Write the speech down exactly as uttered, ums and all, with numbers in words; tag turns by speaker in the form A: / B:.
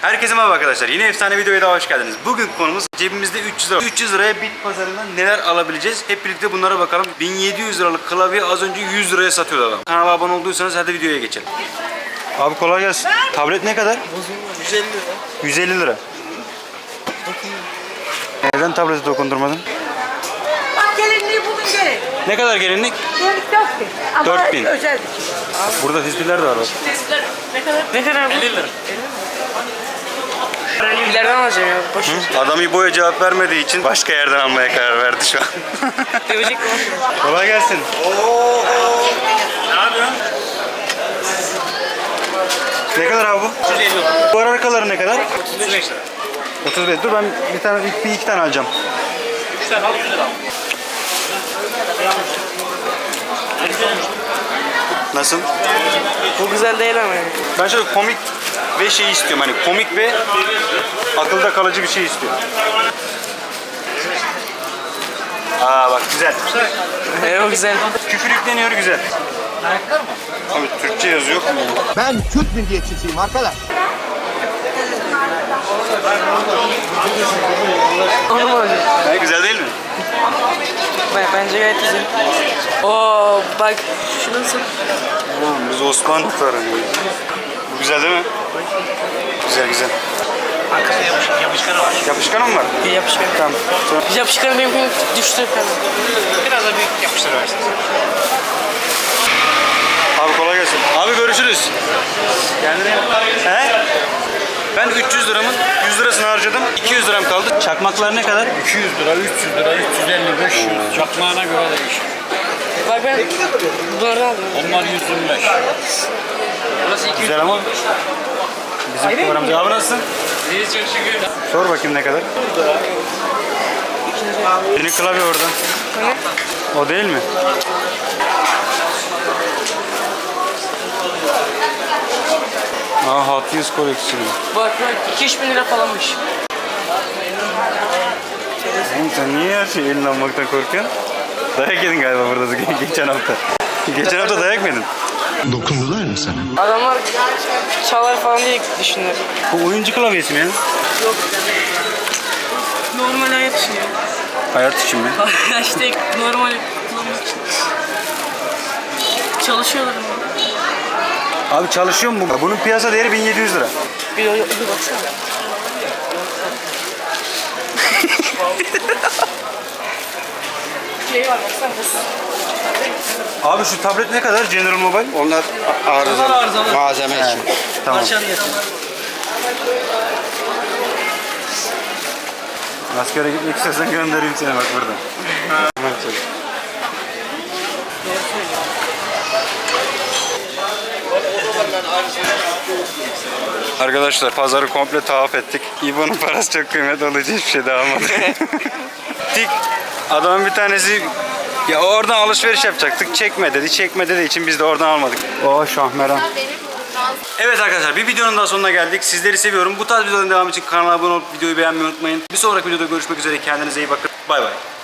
A: Herkese merhaba arkadaşlar. Yine efsane videoya daha hoş geldiniz. Bugün konumuz cebimizde üç yüz lira. üç yüz liraya bit pazarından neler alabileceğiz? Hep birlikte bunlara bakalım. bin yedi yüz liralık klavye az önce yüz liraya satıyordu adam. Kanala abone olduysanız hadi videoya geçelim. Abi kolay gelsin. Tablet ne kadar?
B: yüz elli lira.
A: yüz elli lira. Neden tableti dokundurmadın?
C: Bak gelinliği bulun gelin.
A: Ne kadar gelinlik?
C: Gelinlik dört bin. Ama
A: dört bin.
C: özel.
A: Burada tespitler de var bak.
C: Ne kadar? Ne kadar?
B: elli lira. İleriden alacağım ya. Boş ver.
A: Adam İbo'ya cevap vermediği için başka yerden almaya karar verdi şu an.
B: Dövecek mi?
A: Kolay gelsin. Ne yapıyorsun? Ne kadar abi bu?
B: yüz elli lira.
A: Bu arkaları ne kadar?
B: otuz beş lira.
A: otuz beş. Dur ben bir tane bir, bir iki tane alacağım.
B: üç tane al yüz lira.
A: Nasıl?
B: Bu güzel değil ama yani.
A: Ben şöyle komik ve şey istiyorum. Hani komik ve akılda kalıcı bir şey istiyorum. Aa bak güzel.
B: Evet o güzel.
A: Küfür yükleniyor güzel.
B: Ayaklar mı?
A: Abi Türkçe yazı yok mu?
D: Ben Türk milliyetçisiyim arkadaş.
B: Onu mu alacağım?
A: Ha, güzel değil mi?
B: Ben, bence gayet güzel. Oo bak şu nasıl?
A: Tamam biz Osmanlı tarafıyız. Bu güzel değil mi? Güzel güzel.
B: Arkasında yapışkan, yapışkanı var.
A: Yapışkanı mı var?
B: Bir yapışkan.
A: Tamam. Sonra-
B: Yapışkanı benimkini düştü falan. Biraz da büyük yapıştır versin.
A: Abi kolay gelsin. Abi görüşürüz. Kendine He? Ben üç yüz liramın yüz lirasını harcadım. iki yüz liram kaldı. Çakmaklar ne kadar?
E: iki yüz lira, üç yüz lira, üç yüz elli, beş yüz. Çakmağına göre değişir.
B: Bak ben bunlardan aldım.
E: Onlar yüz yirmi beş.
B: Burası iki yüz.
A: Güzel ama bizim paramız. Abi nasılsın?
B: İyi çok şükür.
A: Sor bakayım ne kadar? Senin klavye orada. O değil mi? Aa Hot Wheels koleksiyonu.
B: Bak bak iki üç bin lira falanmış.
A: Oğlum sen niye her şeyi eline almaktan korkuyorsun? Dayak yedin galiba burada ge- geçen hafta. Geçen hafta dayak mı yedin?
D: Dokundular mı sana?
B: Adamlar çalar falan diye düşünüyor.
A: Bu oyuncu klavyesi mi ya?
B: Yok. Normal hayat için ya.
A: Hayat için mi?
B: işte normal kullanmak için. Çalışıyorlar ama.
A: Abi çalışıyor mu bu? Bunun piyasa değeri bin yedi yüz lira.
B: Bir, bir baksana. Şey var baksana.
A: Abi şu tablet ne kadar? General Mobile?
D: Onlar arızalı.
B: Onlar arızalı.
D: Malzeme için.
A: Tamam.
B: Parçanı yatın.
A: Askere gitmek istiyorsan göndereyim seni bak burada. Tamam, çocuk. Arkadaşlar pazarı komple tavaf ettik. İbo'nun parası çok kıymetli olduğu için hiçbir şey daha almadı. Tik adamın bir tanesi ya oradan alışveriş yapacaktık. Çekme dedi. Çekme dediği için biz de oradan almadık. O şahmeran. Evet arkadaşlar bir videonun daha sonuna geldik. Sizleri seviyorum. Bu tarz videoların devamı için kanala abone olup videoyu beğenmeyi unutmayın. Bir sonraki videoda görüşmek üzere. Kendinize iyi bakın. Bay bay.